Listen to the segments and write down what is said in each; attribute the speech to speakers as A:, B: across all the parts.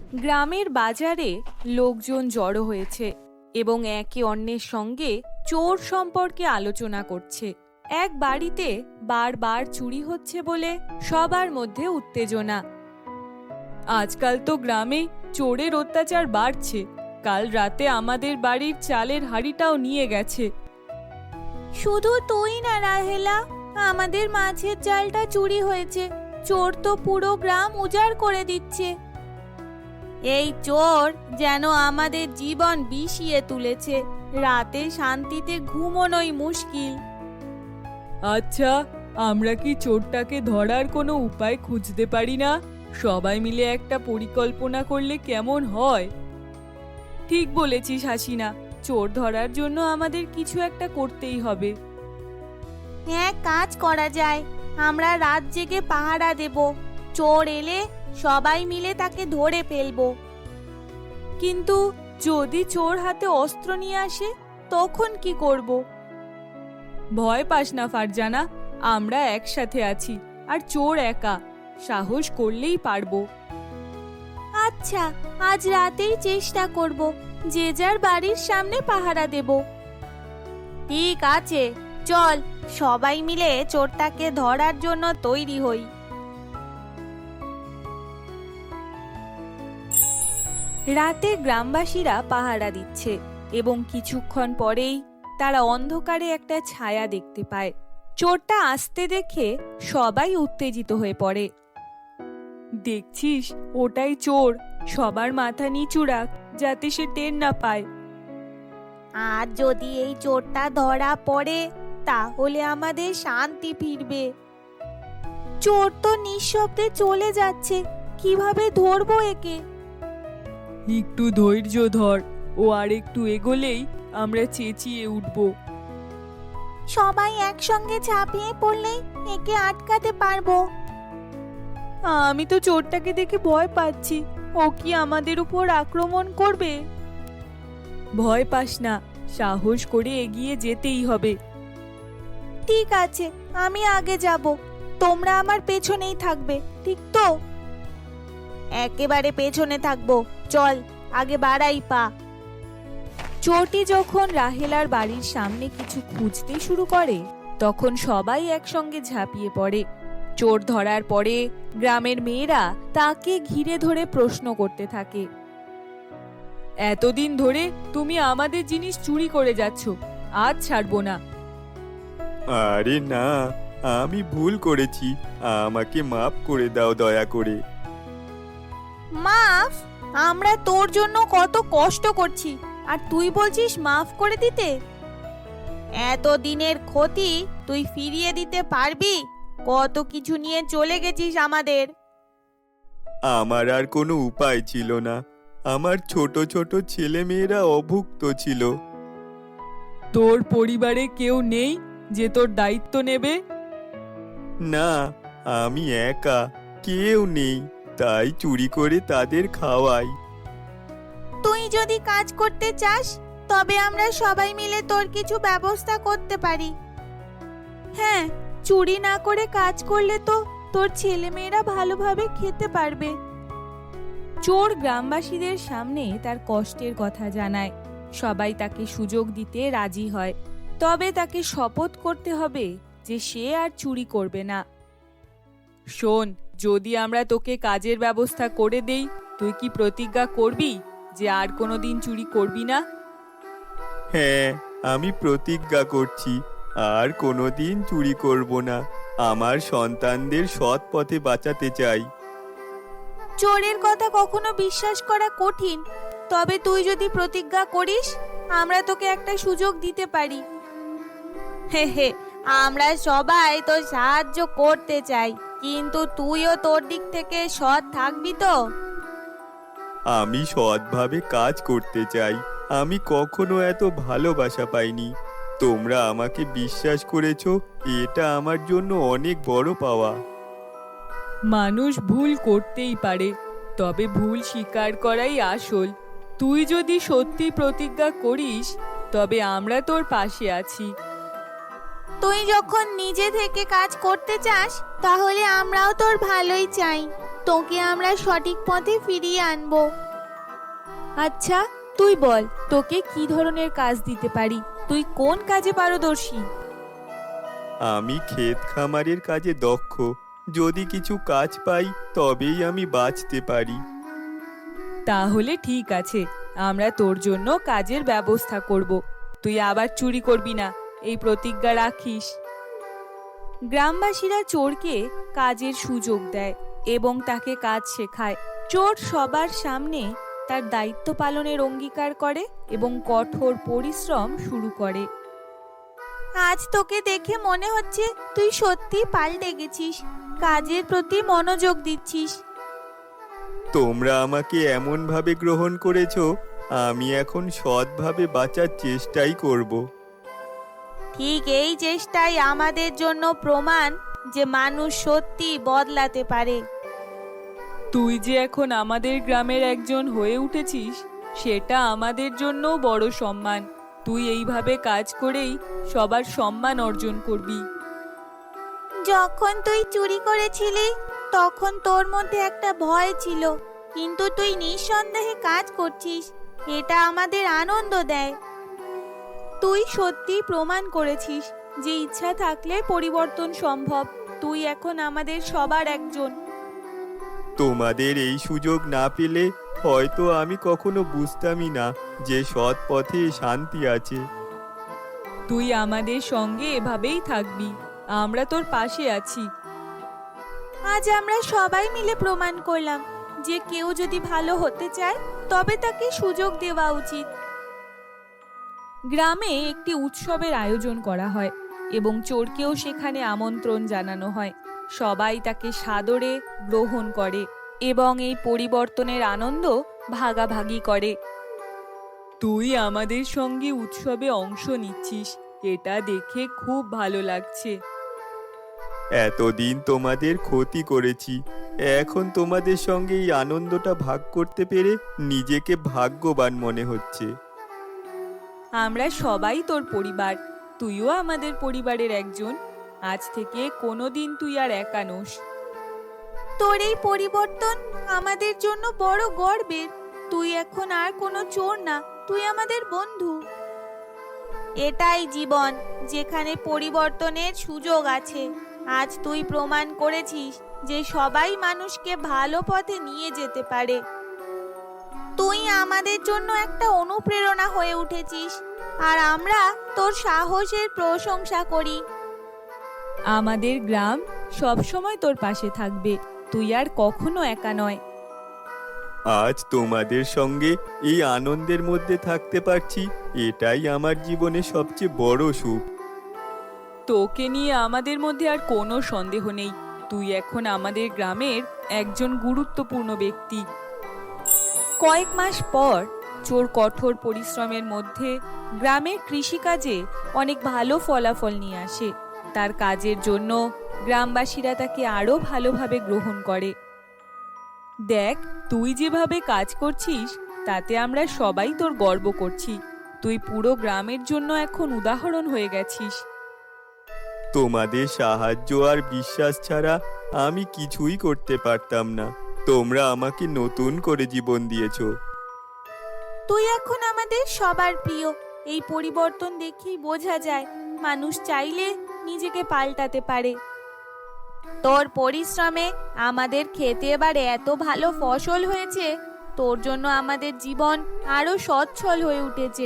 A: গ্রামের বাজারে লোকজন জড়ো হয়েছে এবং একে অন্যের সঙ্গে চোর সম্পর্কে আলোচনা করছে। এক বাড়িতে বারবার চুরি হচ্ছে বলে সবার মধ্যে উত্তেজনা। আজকাল তো গ্রামে চোরের অত্যাচার বাড়ছে। কাল রাতে আমাদের বাড়ির চালের হাঁড়িটাও নিয়ে গেছে। শুধু তুই না রাহেলা, আমাদের মাছের জালটা চুরি হয়েছে। চোর তো পুরো গ্রাম উজাড় করে দিচ্ছে। এই চোর যেন আমাদের জীবন বিষিয়ে তুলেছে। রাতে শান্তিতে ঘুমোনোই মুশকিল। আচ্ছা, আমরা কি চোরটাকে ধরার কোনো উপায় খুঁজতে পারি না? সবাই মিলে একটা পরিকল্পনা করলে কেমন হয়? ঠিক বলেছিস হাসিনা, চোর ধরার জন্য আমাদের কিছু একটা করতেই হবে।
B: হ্যাঁ, কাজ করা যায়। আমরা রাত জেগে পাহারা দেব। চোর এলে সবাই মিলে তাকে ধরে ফেলবো।
A: কিন্তু যদি চোর হাতে অস্ত্র নিয়ে আসে তখন কি করব? ভয় পাস না ফারজানা, আমরা একসাথে আছি আর চোর একা। সাহস করলেই পারবো।
B: আচ্ছা, আজ রাতেই চেষ্টা করব। যে যার বাড়ির সামনে পাহারা দেব। ঠিক আছে, চল সবাই মিলে চোরটাকে ধরার জন্য তৈরি হই।
A: রাতে গ্রামবাসীরা পাহারা দিচ্ছে এবং কিছুক্ষণ পরেই তারা অন্ধকারে একটা ছায়া দেখতে পায়। চোরটা আসতে দেখে সবাই উত্তেজিত হয়ে পড়ে। দেখছিস, ওটাই চোর। সবার মাথা নিচু রাখ যাতে সে টের না পায়।
B: আর যদি এই চোরটা ধরা পড়ে তাহলে আমাদের শান্তি ফিরবে। চোর তো নিঃশব্দে চলে যাচ্ছে, কিভাবে ধরবো একে?
A: একটু ধৈর্য ধর, ও আর একটু এগোলেই আমরা চেঁচিয়ে উঠব।
B: সবাই একসঙ্গে ঝাঁপিয়ে পড়লেই একে আটকাতে পারবো।
A: আমি তো চোরটাকে দেখে ভয় পাচ্ছি। ও কি আমাদের উপর আক্রমণ করবে? ভয় পাস না, সাহস করে এগিয়ে যেতেই হবে।
B: ঠিক আছে, আমি আগে যাব, তোমরা আমার পেছনেই থাকবে, ঠিক তো? একেবারে পেছনে থাকবো। চল আগে বাড়াই পা।
A: চোরটি যখন রাহেলার বাড়ির সামনে কিছু খুঁজতে শুরু করে তখন সবাই একসঙ্গে ঝাঁপিয়ে পড়ে। চোর ধরার পরে গ্রামের মেয়েরা তাকে ঘিরে ধরে প্রশ্ন করতে থাকে। এতদিন ধরে তুমি আমাদের জিনিস চুরি করে যাচ্ছ, আজ ছাড়বো না।
C: আরে না, আমি ভুল করেছি, আমাকে মাফ করে দাও দয়া করে।
B: মাফ? আমরা তোর জন্য কত কষ্ট করছি আর তুই বলছিস মাফ করে দিতে? এত দিনের ক্ষতি তুই ফিরিয়ে দিতে পারবি? কত কিছু নিয়ে চলে গেছিস আমাদের।
C: আমার আর কোনো উপায় ছিল না। আমার ছোট ছোট ছেলে মেয়েরা অভুক্ত ছিল।
A: তোর পরিবারে কেউ নেই যে তোর দায়িত্ব নেবে?
C: না, আমি একা, কেউ নেই, তাই চুরি করে তাদের খাওয়াই।
B: তুই যদি কাজ করতে চাস তবে আমরা সবাই মিলে তোর কিছু ব্যবস্থা করতে পারি।
A: হ্যাঁ, চুরি না করে কাজ করলে তো তোর ছেলেমেয়েরা ভালোভাবে খেতে পারবে। চোর গ্রামবাসীদের সামনে তার কষ্টের কথা জানায়। সবাই তাকে সুযোগ দিতে রাজি হয়, তবে তাকে শপথ করতে হবে যে সে আর চুরি করবে না। শোন, যদি আমরা তোকে কাজের ব্যবস্থা করে দেই, তুই কি প্রতিজ্ঞা করবি যে আর কোনোদিন চুরি করবি না?
C: হ্যাঁ, আমি প্রতিজ্ঞা করছি, আর কোনোদিন চুরি করব না। আমার সন্তানদের সৎ পথে বাঁচাতে চাই।
B: চোরের কথা কখনো বিশ্বাস করা কঠিন, তবে তুই যদি প্রতিজ্ঞা করিস আমরা তোকে একটা সুযোগ দিতে পারি। হে হে, আমরা সবাই তো সাহায্য করতে চাই, কিন্তু তুইও তোর দিক থেকে সৎ থাকবি তো?
C: আমি সৎভাবে কাজ করতে চাই। আমি কখনো এত ভালোবাসা পাইনি। তোমরা আমাকে বিশ্বাস করেছো, এটা আমার জন্য অনেক বড় পাওয়া।
A: মানুষ ভুল করতেই পারে, তবে ভুল স্বীকার করাই আসল। তুই যদি সত্যি প্রতিজ্ঞা করিস তবে আমরা তোর পাশে আছি।
B: তুই যখন নিজে থেকে কাজ করতে চাস তাহলে আমরাও তোর ভালোই চাই। তোকে আমরা সঠিক পথে ফিরিয়ে আনবো।
A: আচ্ছা, তুই বল তোকে কি ধরনের কাজ দিতে পারি? তুই কোন কাজে পারদর্শী?
C: আমি ক্ষেত খামারের কাজে দক্ষ। যদি কিছু কাজ পাই তবেই আমি বাঁচতে পারি।
A: তাহলে ঠিক আছে, আমরা তোর জন্য কাজের ব্যবস্থা করব। তুই আবার চুরি করবি না, এই প্রতিজ্ঞা রাখিস। গ্রামবাসীরা চোরকে কাজের সুযোগ দেয় এবং তাকে কাজ শেখায়। চোর সবার সামনে তার দায়িত্ব পালনের অঙ্গীকার করে এবং কঠোর পরিশ্রম শুরু করে।
B: আজ তোকে দেখে মনে হচ্ছে তুই সত্যি পাল্টে গেছিস, কাজের প্রতি মনোযোগ দিচ্ছিস।
C: তোমরা আমাকে এমনভাবে গ্রহণ করেছো, আমি এখন সৎভাবে বাঁচার চেষ্টাই করব।
B: ঠিক এই চেষ্টাই আমাদের জন্য প্রমাণ যে মানুষ সত্যি বদলাতে পারে।
A: তুই যে এখন আমাদের গ্রামের একজন হয়ে উঠেছিস, সেটা আমাদের জন্য বড় সম্মান। তুই এইভাবে কাজ করেই সবার সম্মান অর্জন করবি।
B: যখন তুই চুরি করেছিলি তখন তোর মধ্যে একটা ভয় ছিল, কিন্তু তুই নিঃসন্দেহে কাজ করছিস, এটা আমাদের আনন্দ দেয়।
A: তুই সত্যি প্রমাণ করেছিস যে ইচ্ছা থাকলে পরিবর্তন সম্ভব। তুই এখন আমাদের সবার একজন।
C: তোমাদের এই সুযোগ না পেলে হয়তো আমি কখনো বুঝতামই না যে সৎ পথে শান্তি আছে।
A: তুই আমাদের সঙ্গে এভাবেই থাকবি, আমরা তোর পাশে আছি।
B: আজ আমরা সবাই মিলে প্রমাণ করলাম যে কেউ যদি ভালো হতে চায় তবে তাকে সুযোগ দেওয়া উচিত।
A: গ্রামে একটি উৎসবের আয়োজন করা হয় এবং চোরকেও সেখানে আমন্ত্রণ জানানো হয়। সবাই তাকে সাদরে গ্রহণ করে এবং এই পরিবর্তনের আনন্দ ভাগাভাগি করে। তুই আমাদের সঙ্গে উৎসবে অংশ নিচ্ছিস, এটা দেখে খুব ভালো লাগছে।
C: এতদিন তোমাদের ক্ষতি করেছি, এখন তোমাদের সঙ্গে এই আনন্দটা ভাগ করতে পেরে নিজেকে ভাগ্যবান মনে হচ্ছে।
A: আমরা সবাই তোর পরিবার, তুইও আমাদের পরিবারের একজন। আজ থেকে কোনোদিন তুই আর একা নোস।
B: তোর এই পরিবর্তন আমাদের জন্য বড় গর্বের। তুই এখন আর কোনো চোর না, তুই আমাদের বন্ধু। এটাই জীবন, যেখানে পরিবর্তনের সুযোগ আছে। আজ তুই প্রমাণ করেছিস যে সবাই মানুষকে ভালো পথে নিয়ে যেতে পারে। তুই আমাদের জন্য একটা অনুপ্রেরণা হয়ে উঠেছিস, আর আমরা তোর সাহসের প্রশংসা করি।
A: আমাদের গ্রাম সবসময় তোর পাশে থাকবে, তুই আর কখনো একা নয়।
C: আজ তোমাদের সঙ্গে এই আনন্দের মধ্যে থাকতে পারছি, এটাই আমার জীবনে সবচেয়ে বড় সুখ।
A: তোকে নিয়ে আমাদের মধ্যে আর কোনো সন্দেহ নেই, তুই এখন আমাদের গ্রামের একজন গুরুত্বপূর্ণ ব্যক্তি। কয়েক মাস পর চোর কঠোর পরিশ্রমের মধ্যে গ্রামের কৃষিকাজে অনেক ভালো ফলাফল নিয়ে আসে। তার কাজের জন্য গ্রামবাসীরা তাকে আরো ভালোভাবে গ্রহণ করে। দেখ, তুই যেভাবে কাজ করছিস তাতে আমরা সবাই তোর গর্ব করছি। তুই পুরো গ্রামের জন্য এখন উদাহরণ হয়ে গেছিস।
C: তোমাদের সাহায্য আর বিশ্বাস ছাড়া আমি কিছুই করতে পারতাম না। তোমরা আমাকে নতুন করে জীবন দিয়েছো।
B: তুই এখন আমাদের সবার প্রিয়। এই পরিবর্তন দেখেই বোঝা যায় মানুষ চাইলে নিজেকে পাল্টাতে পারে। তোর পরিশ্রমে আমাদের খেতে এবার এত ভালো ফসল হয়েছে, তোর জন্য আমাদের জীবন আরো সচ্ছল হয়ে উঠেছে।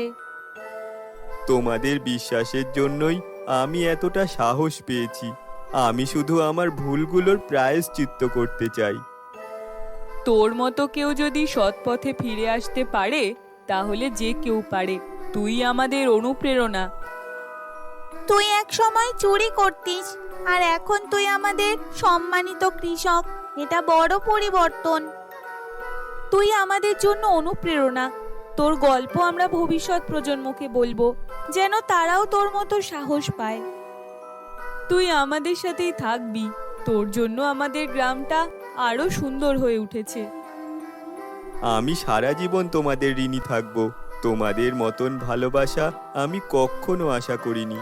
C: তোমাদের বিশ্বাসের জন্যই আমি এতটা সাহস পেয়েছি। আমি শুধু আমার ভুলগুলোর প্রায়শ্চিত্ত করতে চাই।
A: তোর মতো কেউ যদি সৎ পথে ফিরে আসতে পারে তাহলে যে কেউ পারে। তুই আমাদের অনুপ্রেরণা।
B: তুই এক সময় চুরি করতিস, আর এখন তুই আমাদের সম্মানিত কৃষক। এটা বড় পরিবর্তন।
A: তুই আমাদের জন্য অনুপ্রেরণা। তোর গল্প আমরা ভবিষ্যৎ প্রজন্মকে বলবো, যেন তারাও তোর মতো সাহস পায়। তুই আমাদের সাথেই থাকবি, তোর জন্য আমাদের গ্রামটা আরো সুন্দর হয়ে উঠেছে।
C: আমি সারা জীবন তোমাদের ঋণী থাকব। তোমাদের মতন ভালোবাসা আমি কখনো আশা করিনি।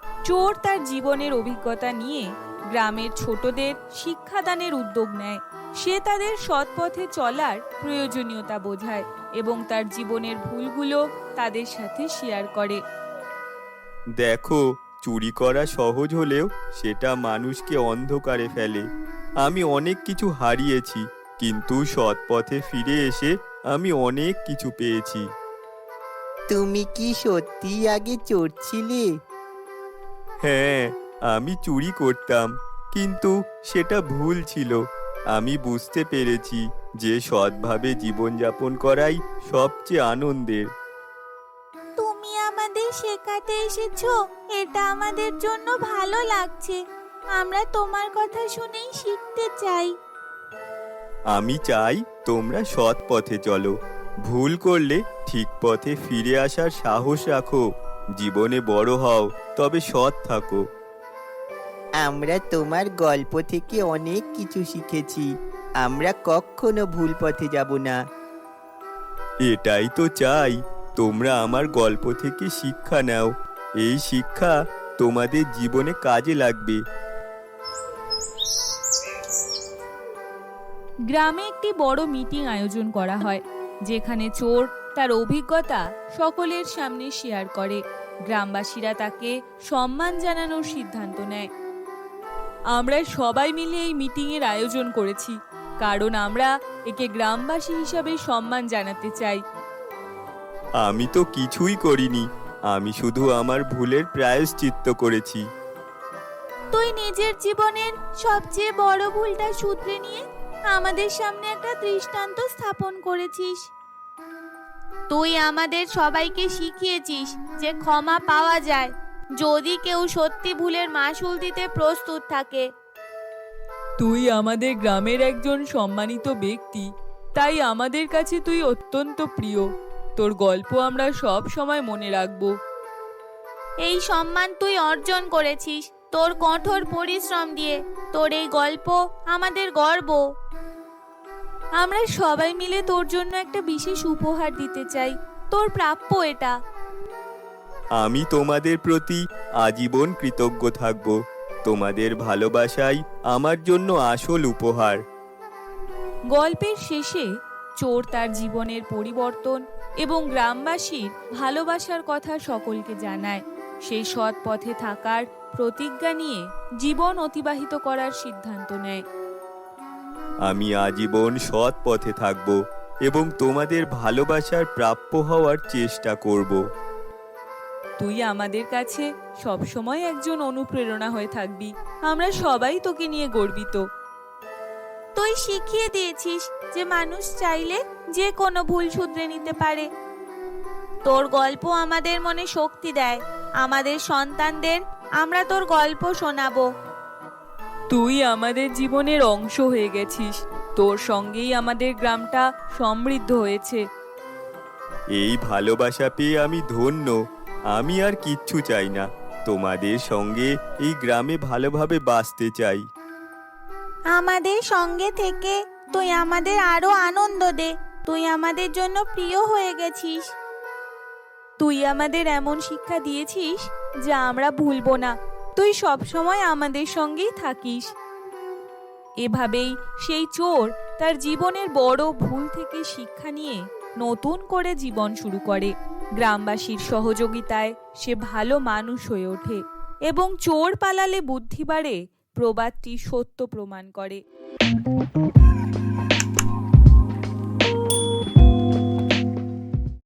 A: চোর তার জীবনের অভিজ্ঞতা নিয়ে গ্রামের ছোটদের শিক্ষাদানের উদ্যোগ নেয়। সে তাদের সৎ পথে চলার প্রয়োজনীয়তা বোঝায় এবং তার জীবনের ভুলগুলো তাদের সাথে শেয়ার করে।
C: দেখো, চুরি করা সহজ হলেও সেটা মানুষকে অন্ধকারে ফেলে। আমি অনেক কিছু হারিয়েছি, কিন্তু সৎ পথে ফিরে এসে আমি অনেক কিছু পেয়েছি।
D: তুমি কি সত্যি আগে চোর ছিলে?
C: হ্যাঁ, আমি চুরি করতাম, কিন্তু সেটা ভুল ছিল। আমি বুঝতে পেরেছি যে সৎভাবে জীবনযাপন করাই সবচেয়ে আনন্দের।
B: তুমি আমাদের শেখাতে এসেছো, এটা আমাদের জন্য ভালো লাগছে। আমরা তোমার কথা শুনেই শিখতে চাই।
C: আমি চাই তোমরা সৎ পথে চলো। ভুল করলে ঠিক পথে ফিরে আসার সাহস রাখো। জীবনে বড় হও, তবে সৎ থাকো।
D: আমরা তোমার গল্প থেকে অনেক কিছু শিখেছি। আমরা কখনো ভুল পথে যাব না।
C: এটাই তো চাই, তোমরা আমার গল্প থেকে শিক্ষা নাও। এই শিক্ষা তোমাদের জীবনে কাজে লাগবে।
A: গ্রামে একটি বড় মিটিং আয়োজন করা হয়, যেখানে চোর তার অভিজ্ঞতা সকলের সামনে শেয়ার করে। গ্রামবাসীরা তাকে সম্মান জানানোর সিদ্ধান্ত নেয়। আমরা সবাই মিলে এই মিটিংয়ের আয়োজন করেছি, কারণ আমরা একে গ্রামবাসী হিসাবে সম্মান জানাতে চাই।
C: আমি তো কিছুই করিনি, আমি শুধু আমার ভুলের প্রায়শ্চিত্ত করেছি।
B: তুই নিজের জীবনের সবচেয়ে বড় ভুলটা শুধরে নিয়ে আমাদের সামনে একটা দৃষ্টান্ত স্থাপন করেছিস। তুই আমাদের সবাইকে শিখিয়েছিস যে ক্ষমা পাওয়া যায় যদি কেউ সত্যি ভুলের মাসুল দিতে প্রস্তুত থাকে।
A: তুই আমাদের গ্রামের একজন সম্মানিত ব্যক্তি, তাই আমাদের কাছে তুই অত্যন্ত প্রিয়। তোর গল্প আমরা সব সময় মনে রাখব।
B: এই সম্মান তুই অর্জন করেছিস তোর কঠোর পরিশ্রম দিয়ে। তোর এই গল্প আমাদের গর্ব।
A: আমরা সবাই মিলে তোর জন্য একটা বিশেষ উপহার দিতে চাই, তোর প্রাপ্য এটা।
C: আমি তোমাদের প্রতি আজীবন কৃতজ্ঞ থাকব। তোমাদের ভালোবাসাই আমার জন্য আসল উপহার।
A: গল্পের শেষে চোর তার জীবনের পরিবর্তন এবং গ্রামবাসীর ভালোবাসার কথা সকলকে জানায়। সে সৎ পথে থাকার প্রতিজ্ঞা নিয়ে জীবন অতিবাহিত করার সিদ্ধান্ত নেয়।
C: আমি আজীবন সৎ পথে থাকব এবং তোমাদের ভালোবাসার প্রাপ্য হওয়ার চেষ্টা করব।
A: তুই আমাদের কাছে সবসময় একজন অনুপ্রেরণা হয়ে থাকবি। আমরা সবাই তোকে নিয়ে গর্বিত।
B: তুই শিখিয়ে দিয়েছিস যে মানুষ চাইলে যে কোনো ভুল শুধরে নিতে পারে। তোর গল্প আমাদের মনে শক্তি দেয়। আমাদের সন্তানদের আমরা তোর গল্প শোনাবো।
A: তুই আমাদের জীবনের অংশ হয়ে গেছিস। তোর সঙ্গেই আমাদের গ্রামটা সমৃদ্ধ হয়েছে।
C: এই ভালোবাসা পেয়ে আমি ধন্য। আমি আর কিচ্ছু চাই না, তোমাদের সঙ্গে এই গ্রামে ভালোভাবে বাঁচতে চাই।
B: আমাদের সঙ্গে থেকে তুই আমাদের আরো আনন্দ দে। তুই আমাদের জন্য প্রিয় হয়ে গেছিস।
A: তুই আমাদের এমন শিক্ষা দিয়েছিস যা আমরা ভুলবো না। তুই সবসময় আমাদের সঙ্গেই থাকিস। এভাবেই সেই চোর তার জীবনের বড় ভুল থেকে শিক্ষা নিয়ে নতুন করে জীবন শুরু করে। গ্রামবাসীর সহযোগিতায় সে ভালো মানুষ হয়ে ওঠে এবং চোর পালালে বুদ্ধি বাড়ে প্রবাদটি সত্য প্রমাণ করে।